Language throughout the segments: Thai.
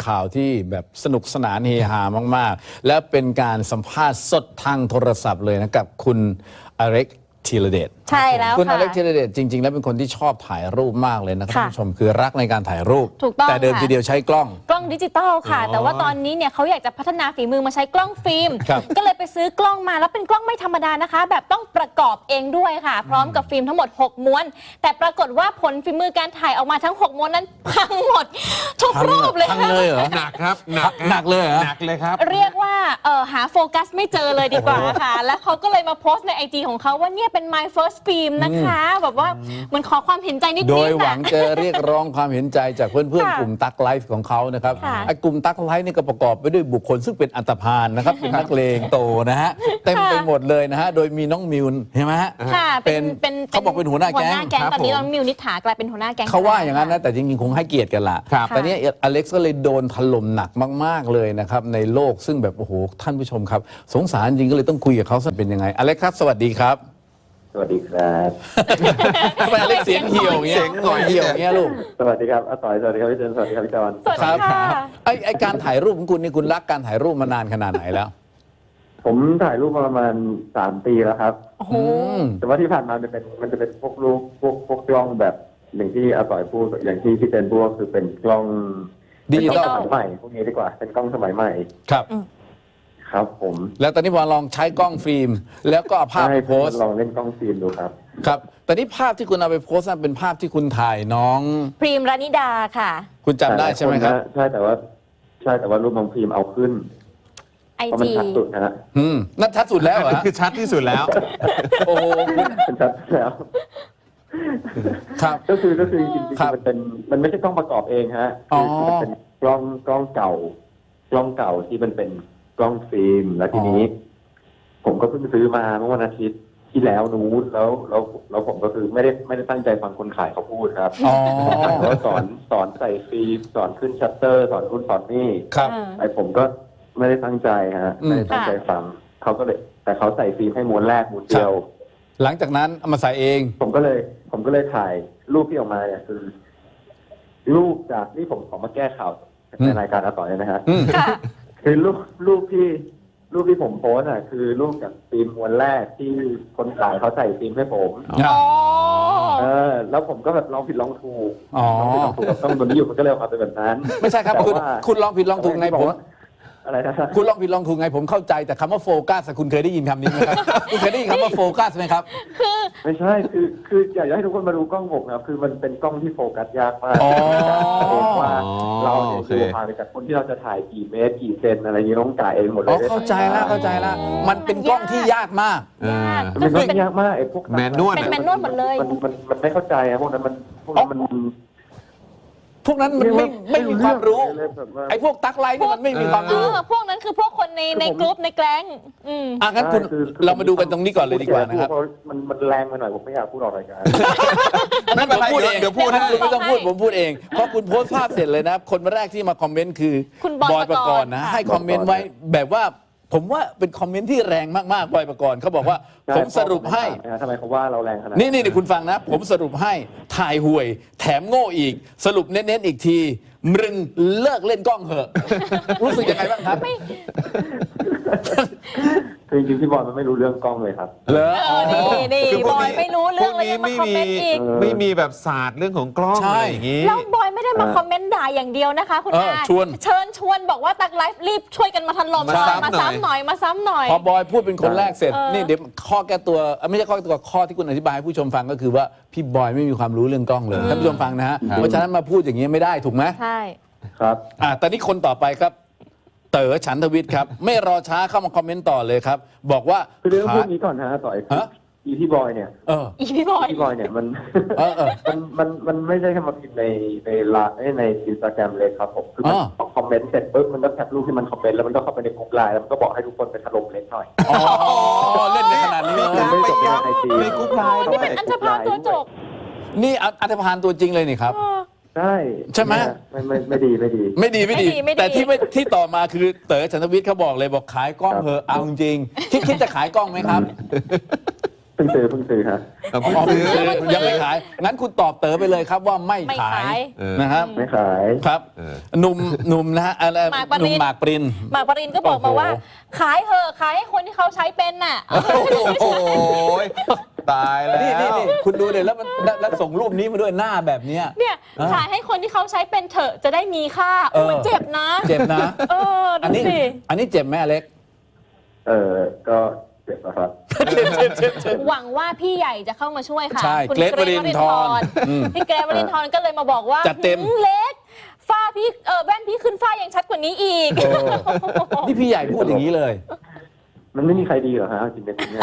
ข่าวที่แบบสนุกสนานเฮฮามากๆและเป็นการสัมภาษณ์สดทางโทรศัพท์เลยนะกับคุณอเล็กธีรเดชใช่แล้วคุณอเล็กค่ะธีรเดชจริงๆแล้วเป็นคนที่ชอบถ่ายรูปมากเลยนะครับท่านผู้ชมคือรักในการถ่ายรูปถูกต้องแต่เดิมค่ะทีเดียวใช้กล้องกล้องดิจิตอลค่ะ แต่ว่าตอนนี้เนี่ยเขาอยากจะพัฒนาฝีมือมาใช้กล้องฟิล์มครับก็เลยไปซื้อกล้องมาแล้วเป็นกล้องไม่ธรรมดานะคะ แบบต้องประกอบเองด้วยค่ะ พร้อมกับฟิล์มทั้งหมด 6 ม้วน แต่ปรากฏว่าผลฝีมือการถ่ายออกมาทั้ง 6 ม้วนนั้นพังหมดทุกรูปเลยพังค่ะเลยเหรอหนักครับหนักหนักเลยเหรอหนักเลยครับเรียกว่าหาโฟกัสไม่เจอเลยดีกว่าค่ะ แล้วเขาก็เลยมาโพสต์ใน IG ของเขาว่าเนี่ยเป็น my first film นะคะแบบว่ามันขอความเห็นใจนิดๆโดยหวันะงจะเรียกร้องความเห็นใจจากเพื่อนๆค่ะกลุ่มตักไลฟ์ของเขานะครับค่ะไอ้กลุ่มตักไลฟ์นี่ก็ประกอบไปด้วยบุคคลซึ่งเป็นอันธพาลนะครับ เป็นนักเลงโตนะฮะเต็มไปหมดเลยนะฮะโดยมีน้องมิวใช่ไหมฮะค่ะเป็นเขาบอกเป็นหัวหน้าแก๊งตอนนี้น้องมิวนิษฐากลายเป็นหัวหน้าแก๊งเขาว่าอย่างนั้นนะแต่จริงๆคงให้เกียรติกันละครับแต่เนี้อเล็กซ์ก็เลยโดนถล่มหนักมากๆเลยนะครับในโลกซึ่งแบบโอ้โหท่านผู้ชมครับ สงสารจริงก็เลยต้องคุยกับเขาสักเป็นยังไงอเล็กซ์ครับสวัสดีครับสวัสดีครับทำไมอเล็กซ์เสียงเหี่ยวอย่างเงี้ยเสียงหน่อยเหี่ยวอย่างเงี้ยลูกสวัสดีครับอาต่อยสวัสดีครับพี่เจนสวัสดีครับพี่จอนสวัสดีค่ะไอการถ่ายรูปของคุณนี่คุณรักการถ่ายรูปมานานขนาดไหนแล้วผมถ่ายรูปมาประมาณ3 ปีแล้วครับโอ้โหแต่ว่าที่ผ่านมามันจะเป็นพวกรูปพวกกล้องแบบอย่างที่อาต่อยพูดอย่างที่พี่เจนพูดก็คือเป็นกล้องดิจิตอลเป็นกล้องสมัยใหม่พวกนี้ดีกว่าเป็นกล้องสมัยใหม่ครับครับ ผมแล้วตอนนี้พอลองใช้กล้องฟิล์ม แล้วก็เอาภาพไปให้โพสต์ลองเล่นกล้องฟิล์มดูครับครับแต่นี่ภาพที่คุณเอาไปโพสต์นั้นเป็นภาพที่คุณถ่ายน้องพรีมรานิดาค่ะคุณจำได้ใช่ไหมครับใช่แต่ว่ารูปน้องฟิล์มเอาขึ้นไอเพราะมันจีชัดสุดนะฮะนั่นชัดสุดแล้วเหรอคือชัดที่สุดแล้วโอ้โหคุณมันชัดแล้วครับก็คือจริงครับๆมันไม่ใช่กล้องประกอบเองฮะอ๋อคือมันเป็นกล้องเก่าที่มันเป็นกล้องฟิล์มแล้วทีนี้ ผมก็เพิ่งซื้อมาเมื่อวันอาทิตย์ที่แล้วนู้นแล้วผมก็คือไม่ได้ตั้งใจฟังคนขายเขาพูดครับอ๋อเขาสอนใส่ฟิล์มสอนขึ้นชัตเตอร์สอนนู่นสอนนี่ครับไอผมก็ไม่ได้ตั้งใจฮะไม่ได้ตั้งใจฟังเขาก็เลยแต่เขาใส่ฟิล์มให้ม้วนแรกม้วนเดียวหลังจากนั้นเอามาใส่เองผมก็เลยถ่ายรูปที่ออกมาเนี่ยคือรูปจากที่ผมขอมาแก้ข่าวในรายการอาต่อยนะฮะค่ะคือรูปที่ผมโพสต์อ่ะคือรูปจากฟิล์มม้วนแรกที่คนขายเขาใส่ฟิล์มให้ผมอ๋อแล้วผมก็แบบลองผิดลองถูกอ๋อลองผิดลองถูกกับต้องตัวนี้อยู่มันก็เลยออกมาเป็นแบบนั้นไม่ใช่ครับแต่คุณว่าคุณลองผิดลองถูกไงผมอะไรนะคุณลองผิดลองถูกไงผมเข้าใจแต่คำว่าโฟกัสคุณเคยได้ยินคำนี้ไหมครับ คุณเคยได้ยินคำว่าโฟกัสไหมครับไม่ใช่คืออยากจะให้ทุกคนมาดูกล้องผมนะครับคือมันเป็นกล้องที่โฟกัสยากมากอ๋อเองว่าเราเนี่ยโอเคดูห่างจากคนที่เราจะถ่ายกี่เมตรกี่เซนอะไรอย่างนี้ต้องจ่ายเองหมดเลอ๋อย เข้าใจแล้วมันเป็นกล้องที่ยากมากยากมันก็ก็คือเป็นยากมากไอ้พวกแมนนวลเป็นแมนนวลหมดเลยมันไม่เข้าใจอะพวกนั้นมันพวกนั้นมันไม่มีความรู้เลยแบบว่าไอ้พวกตักไลน์นี่มันไม่มีความรู้พวกนั้นคือพวกคนในกรุ๊ปในแก๊งงั้นคุณคือเรามาดูกันตรงนี้ก่อนเลยดีกว่านะครับเพรามันแรงไปหน่อยผมไม่อยากพูดออกรายการนั่นผมพูดเองเดี๋ยวพูดท่านคุณไม่ต้องพูดให้ผมพูดเองเพราะคุณโพสต์ภาพเสร็จเลยนะคนแรกที่มาคอมเมนต์คือคุณบอยปกรณ์นะค่ะให้คอมเมนต์ไว้แบบว่าผมว่าเป็นคอมเมนต์ที่แรงมากๆบอยปกรณ์เขาบอกว่าใช่ผมสรุปให้ทำไมเขาว่าเราแรงขนาดนี่คุณฟังนะ ผมสรุปให้ถ่ายห่วย แถมโง่อีก สรุปเน้นๆอีกทีมึงเลิกเล่นกล้องเหอะ รู้สึกยังไงบ้างครับคือจริงๆพี่บอลมันไม่รู้เรื่องกล้องเลยครับเหรอนี่คืบอยไม่รู้เรื่องเลยยังมาคอมเมนต์อีกไม่มีแบบศาสตร์เรื่องของกล้องใช่อะไรอย่างงี้แล้วบอยไม่ได้มาคอมเมนต์ด่าอย่างเดียวนะคะ คุณอาชวนเชิญชวนบอกว่าตักไลฟ์รีบช่วยกันมาถล่มมาหน่อยซ้ำมาซ้ำหน่อยมาซ้ำหน่อยพอบอยพูดเป็นคนแรกเสร็จเออนี่เดี๋ยวข้อแก้ตัวไม่ใช่ข้อแก้ตัวข้อที่คุณอธิบายให้ผู้ชมฟังก็คือว่าพี่บอยไม่มีความรู้เรื่องกล้องเลยท่านผู้ชมฟังนะฮะเพราะฉะนั้นมาพูดอย่างนี้ไม่ได้ถูกไหมใช่ครับตอนนี้คนต่อไปครับ เต๋อฉันทวิทย์ครับ ไม่รอช้าเข้ามาคอมเมนต์ต่อเลยครับ บอกว่าคือเรื่องพวกนี้ก่อนนะต่อยฮะอีพี่บอยเนี่ยเอออีพี่บอยพี่บอยเนี่ยมันเออมันไม่ใช่แค่มาพิมพ์ในไลน์ในอินสตาแกรมเลยครับผมคือมันอ๋อคอมเมนต์เสร็จปุ๊บมันก็แคปรูปที่มันคอมเมนต์แล้วมันก็เข้าไปในกลุ่มไลน์แล้วมันก็บอกให้ทุกคนไปถล่มเล็กหน่อยอ๋อเล่นในขนาดนี้มีเลยการไปย้ำในกรุ๊ปไลน์ด้นี่วเป็นยอันธพาลตัวจบนี่อัธพาลตัวจริงเลยนี่ครับ ใช่ไหมไม่ดีไม่ดีไม่ดีแต่ที่ต่อมาคือเต๋อฉันทวิทย์เขาบอกเลยบอกขายกล้องเถอะเอาจริงคิดจะขายกล้องไหมครับเพิ่งซื้อฮะเพิ่งอ๋อซื้อยังไม่ขาย งั้นคุณตอบเต๋อไปเลยครับว่าไม่ไม่ขาขาย ยนะครับไม่ขายครับเออหนุ่มนะฮะอะไรหมากปรินหนุ่มหมากปรินหมากปรินก็บอกมาว่าโอ้โหขายเถอะขายให้คนที่เขาใช้เป็นน่ะโอ้โหตายแล้วนี่คุณดูเดี๋ยวแล้วส่งรูปนี้มาด้วยหน้าแบบเนี้ยเนี่ยอ่าขายให้คนที่เขาใช้เป็นเถอะจะได้มีค่าเออมันเจ็บนะเจ็บนะเอออัดูนี้สิอันนี้เจ็บไหมอเล็กก็เจ็บนะครับหวังว่าพี่ใหญ่จะเข้ามาช่วยค่ะใช่คุณเกรทวรินทร์อืมพี่เกรทวรินทร์ก็เลยมาบอกว่าจัดเต็มเล็กฝ้าพี่แว่นพี่ขึ้นฝ้ายังชัดกว่านี้อีกนี่พี่ใหญ่พูดอย่างนี้เลยมันไม่มีใครดีเหรอฮะจริงๆเนี่ย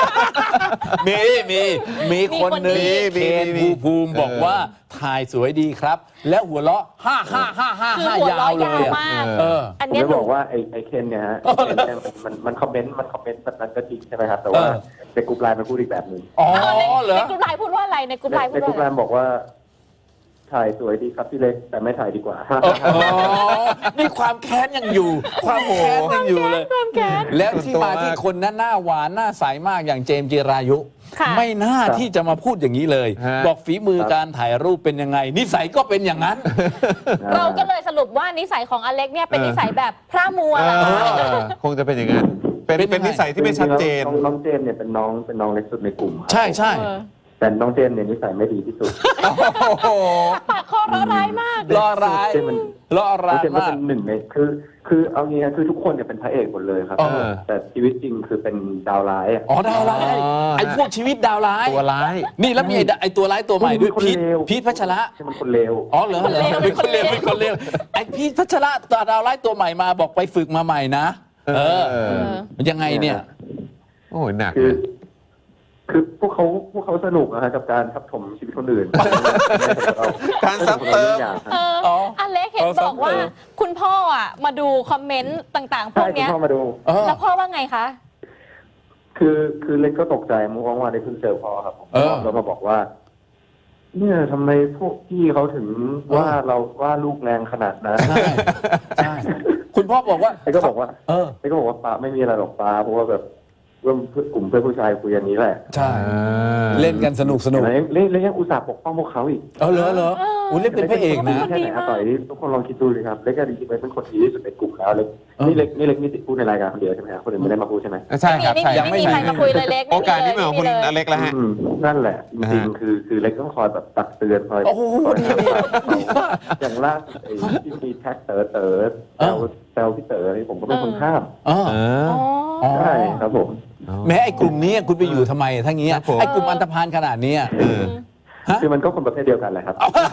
มีคนหนึ่งมีเคนภูมิบอกว่าถ่ายสวยดีครับ แล้วหัวเราะคือ 5 หัวยาเราะวเลยยาวอะมากเอออันผมเนี้ยจะหนูบอกว่าไอ้เคนเนี่ยฮะไอ้เคนเนี่ยมันคอมเมนต์แบบนั้นก็จริงใช่ไหมครับ แต่ว่าเออในกลุ่มไลน์มันพูดอีกแบบหนึ่งอ๋อเหรอในกลุ่มไลน์พูดว่าอะไรในกลุ่มไลน์พูในดกว่าลุ่มอะไรไลน์บอกว่า ถ่ายสวยดีครับพี่เล็กแต่ไม่ถ่ายดีกว่าอ๋อนี่ความแค้นยังอยู่ ความแค้นยังอยู่เลยความแค้นแล้วที่มาที่คนนั้นหน้าหวานหน้าใสมากอย่างเจมส์จิรายุค่ะไม่น่าที่จะมาพูดอย่างนี้เลยฮะบอกฝีมือการถ่ายรูปเป็นยังไง นิสัยก็เป็นอย่างนั้นเราก็เลยสรุปว่านิสัยของอเล็กเนี่ยเป็นนิสัยแบบพระมัวแหละคงจะเป็นอย่างนั้น เป็นนิสัยที่ไม่ชัดเจนน้องเจมส์เนี่ยเป็นน้องเล็กสุดในกลุ่มครับใช่ใช่เออแต่น้องเจมส์เนี่ยนิสัยไม่ดีที่สุดโอ้โหปากคอร้ายมากล่อร้ายเจมส์มันล่อน้อร้าง ยเจมส์ก็มากเป็นหนึ่งในคือเอางี้นะคือทุกคนเนี่ยเป็นพระเอกหมดเลยครับเออแต่ชีวิตจริงคือเป็นดาวร้ายอะอ๋อดาวร้ายอ๋อไอ้พวกชีวิตดาวร้ายตัวร้ายนี่แล้วมีไอ้ตัวร้ายตัวใหม่ด้วยคนพีทเลวพีทพัชระใช่มันคนเลวอ๋อเหรอเป็นคนเลวเป็นคนเลวไอ้พีทพัชระตัวดาวร้ายตัวใหม่มาบอกไปฝึกมาใหม่นะ เออ มันยังไงเนี่ยโอ้โหหนักคือเลยคือพวกเขาสนุกนะฮะกับการทับถมชีวิตคนอื่นการซ้ำเติมอย่างเอออ๋ออเล็กเห็นเออบอกว่าซ้ำเติมคุณพ่ออ่ะมาดูคอมเมนต์ต่างๆ พวใช่กคุณเนี้ยพ่อมาดูเออแล้วพ่อว่าไงคะคือเล็กก็ตกใจเมื่อวานได้เพิ่งเจอพ่อครับผมเออแล้วมาบอกว่า เนี่ยทำไมพวกพี่เขาถึงว่าเราว่าลูกแรงขนาดนั้นใช่ใช่คุณพ่อบอกว่าเล็กก็บอกว่าเออเล็กก็บอกว่าป้าไม่มีอะไรหรอกป้าเพราะว่าแบบกลุ่มเพื่อนผู้ชายคุยอย่างนี้แหละใช่ เล่นกันสนุกเห็นไหมเล็กยังอุตส่าห์ปกป้องพวกเขาอีกเออเหรออุ้ยเล่นเป็นพระเอกนะแค่ไหนอะต่อยทุกคนลองคิดดูเลยครับเล็กก็จริงๆเป็นคนดีที่สุดในกลุ่มแล้วเล็กเออนี่เล็กมีติดพูดในรายการคนเดียวใช่ไหมครับคนอื่นไม่ได้มาพูดใช่ไหมใช่ครับไม่ใช่มีไม่มีใครมาคุยเลยเล็กโอกาสนี้เป็นของคุณอเล็กแล้วฮะนั่นแหละจริงๆคือเล็กต้องคอยแบบตักเตือนคอยโอ้โหคอยดีห้ามดีมากอย่างล่าสุดไอ้ที่มีแท็กเต๋อแซวพี่เต๋อนี่ผมก็เป็นคนห้ามเออเอออ๋อใช่ครับผมแม้ไอ้กลุ่มนี้คุณไปอยู่ทำไมทั้งเงี้ยครับผมไอ้กลุ่มอันธพาลขนาดเนี้ยเออฮะคือมันก็คนประเภทเดียวกันแหละครับ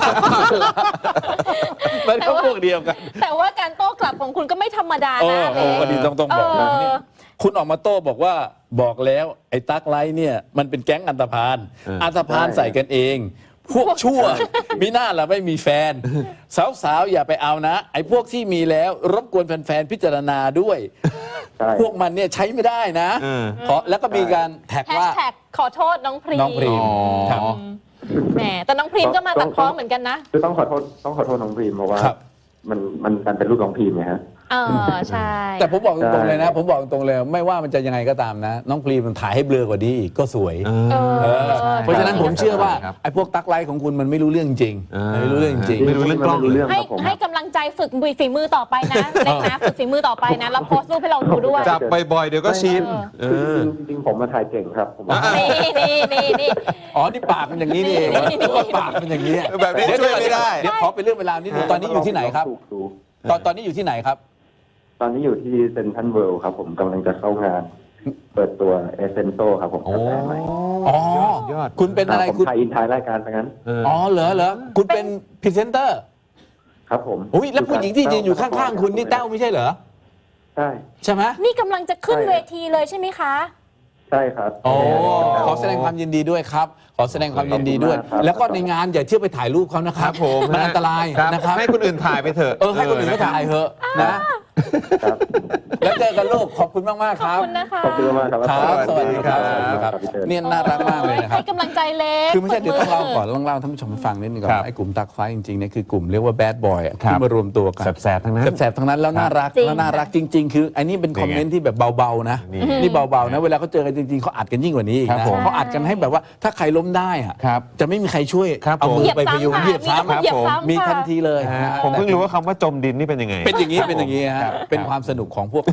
มันก็พวกเดียวกันแต่ว่าการโต้กลับของคุณก็ไม่ธรรมดาโอ้นะโหเล็กวันนี้ต้องบอกนะเออนี่คุณออกมาโต้บอกว่าบอกแล้วไอ้ตั๊กไลท์เนี่ยมันเป็นแก๊งอันธพาล อันธพาลใส่กันเอง พวกชั่วมีหน้าละไม่มีแฟน สาวๆอย่าไปเอานะ ไอ้พวกที่มีแล้วรบกวนแฟนๆพิจารณาด้วยใช่พวกมันเนี่ยใช้ไม่ได้นะเออแล้วก็มีการแท็กแฮชว่าแท็กขอโทษน้องพรีน้องพรีมอ๋อครับแหมแต่น้องพรีมก็มาตัดพ้อเหมือนกันนะคือต้องขอโทษน้องพรีมเพราะว่าครับมันเป็นลูกน้องพรีมไงฮะเออใช่แต่ผมบอกตรงๆเลยนะใช่ผมบอกตรงๆเลยไม่ว่ามันจะยังไงก็ตามนะ น้องพรีมมันถ่ายให้เบลอกว่านี้อีกก็สวยเอเอออเพราะฉะนั้นผมเชื่อว่าครับไอ้พวกตักไลท์ของคุณมันไม่รู้เรื่องจริงอ่าไม่รู้เรื่องจริงไม่รู้เรื่องกล้องเลยให้ครับผมให้กำลังใจฝึกฝีมือต่อไปนะเล็กนะฝึกฝีมือต่อไปนะแล้วโพสต์รูปให้เราดูด้วยจับบ่อยๆเดี๋ยวก็ชิน เอคืออจริงๆผมมาถ่ายเก่งครับผมนี่อ๋อ นี่ปากมันอย่างนี้นี่เองปากมันอย่างนี้แบบนี้ช่วยไม่ได้เดี๋ยวขอเป็นเรื่องเวลานิดนึงตอนนี้อยู่ที่ไหนครับถูกตอนนี้อยู่ที่ไหนครับตอนนี้อยู่ที่เซนทรัลเวิลด์ครับผมกำลังจะเข้างาน เปิดตัวเอเซนโซครับผมโอ้กาแฟใหม่อ๋อยอดคุณเป็นอะไรผมคุณถ่ายอินถ่ายรายการไปงั้นเอออ๋อเหรอคุณเป็นพรีเซนเตอร์ครับผมอุ้ยแล้วผู้หญิงที่ยืนอยู่ข้างๆคุณนี่แต้วไม่ใช่เหรอใช่ใช่ไหมนี่กำลังจะขึ้นเวทีเลยใช่ไหมคะใช่ครับโอ้ขอแสดงความยินดีด้วยครับ ขอแสดงความยินดีด้วยขอบคุณมากครับแล้วก็ในงานอย่าเที่ยวไปถ่ายรูปเขานะครับผมมันอันตรายครับนะครับให้คนอื่นถ่ายไปเถอะให้คนอื่นเขาถ่ายเถอะนะครับแล้วเจอกันลูกขอบคุณมากๆขคอบรับคุณนะคะขอบคุณมากครับครับสวัสดีครับสวัสดีครับพี่เติ้ลเนี่ยน่ารักมากเลยนะครับให้กำลังใจเล็กคือไม่ใช่เดี๋ยวต้องเล่าก่อนปรบมืต้องเล่าท่านผู้ชมฟังนิดนึงก่อนครับว่าไอ้กลุ่มตักไฟจริงๆเนี่ยคือกลุ่มเรียกว่าแบดบอยครับที่มารวมตัวกันแสบๆทั้งนั้นแสบๆทั้งนั้นแล้วน่ารักจริงแล้วน่ารักจริง ๆ คือไอ้นี่เป็นคอมเมนต์ที่แบบเบาๆนะนี่นี่เบาๆนะเวลาเขาเจอกันจริงๆเขาอัดกันยิ่งกว่านี้อีกครับนะผมเขาอัดกันให้แบบว่าถ้าใครล้มได้อะครับจะไม่มีใครช่วยครับเอาผมมืเหอยียบไปพยุงซ้ำเหยียบซ้ำค่ะเหยียบซ้ำมีทันค่ะทีเลยนะฮะนะฮะผมเพิ่งรู้ว่าคำว่าจมดินนี่เป็นยังไงเป็นอย่างนี้ฮะเป็นความสนุกของพวก